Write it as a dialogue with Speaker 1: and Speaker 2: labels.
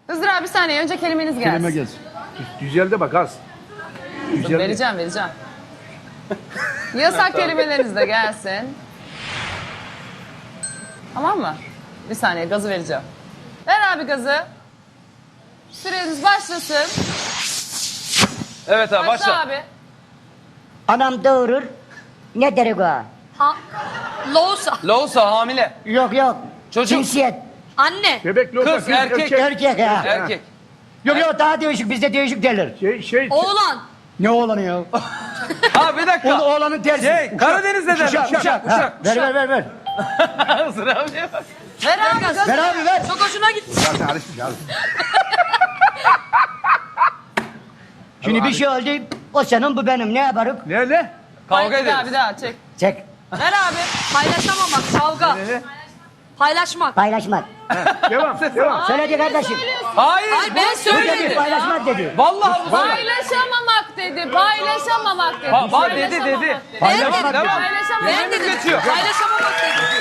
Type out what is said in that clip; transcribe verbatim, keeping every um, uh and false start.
Speaker 1: Hızır abi bir saniye önce kelimeniz gelsin.
Speaker 2: Kelime gelsin.
Speaker 3: Güzel de bak az. Güzel.
Speaker 1: Vereceğim vereceğim. Yasak kelimeleriniz de gelsin. Tamam mı? Bir saniye gazı vereceğim. Ver abi gazı. Süreniz başlasın.
Speaker 4: Evet abi
Speaker 1: Başla,
Speaker 4: başla.
Speaker 1: abi.
Speaker 5: Anam doğurur. Ne derik o?
Speaker 6: Ha, Loğusa.
Speaker 4: Loğusa hamile.
Speaker 5: Yok yok.
Speaker 4: Çocuk.
Speaker 5: Cinsiyet.
Speaker 6: Anne.
Speaker 3: Bebek loka,
Speaker 4: Kız, erkek.
Speaker 5: Erkek ya.
Speaker 4: Erkek.
Speaker 5: Yok yok daha değişik bizde değişik derler.
Speaker 3: Şey, şey,
Speaker 6: Oğlan.
Speaker 5: Ne oğlanı ya?
Speaker 4: Ha bir dakika.
Speaker 5: O, oğlanın tersi.
Speaker 4: Şey, Karadeniz'de derler.
Speaker 5: Uşak,
Speaker 4: Uşak,
Speaker 5: uşak.
Speaker 4: uşak.
Speaker 5: Ha, ver ver ver ver.
Speaker 4: Hızır abiye bak.
Speaker 1: Ver abi gazı.
Speaker 5: Ver abi ver.
Speaker 6: Çok hoşuna gitti.
Speaker 2: Zaten alışmış abi.
Speaker 5: Şimdi bir şey oldu. O senin bu benim. Ne yaparım?
Speaker 3: Nerede?
Speaker 4: Kavga
Speaker 1: Bir daha
Speaker 4: ederiz.
Speaker 1: bir daha çek.
Speaker 5: Çek.
Speaker 1: Ver abi.
Speaker 6: Paylaşamamak. Kavga. Paylaşmak.
Speaker 5: Paylaşmak.
Speaker 3: Devam, devam.
Speaker 5: Söyledi kardeşim.
Speaker 4: Hayır.
Speaker 6: Hayır ben
Speaker 5: Bu dedi
Speaker 6: söyledim.
Speaker 5: paylaşmak dedi.
Speaker 4: Vallahi bu söyle.
Speaker 1: Paylaşamamak dedi. Paylaşamamak dedi.
Speaker 4: Ha, bak dedi
Speaker 1: Paylaşamamak
Speaker 4: dedi.
Speaker 6: Ben
Speaker 4: Devam,
Speaker 6: dedim.
Speaker 4: devam.
Speaker 1: Paylaşamamak.
Speaker 6: Ben
Speaker 4: Dilimiz
Speaker 6: dedim.
Speaker 4: geçiyor.
Speaker 6: Paylaşamamak dedim.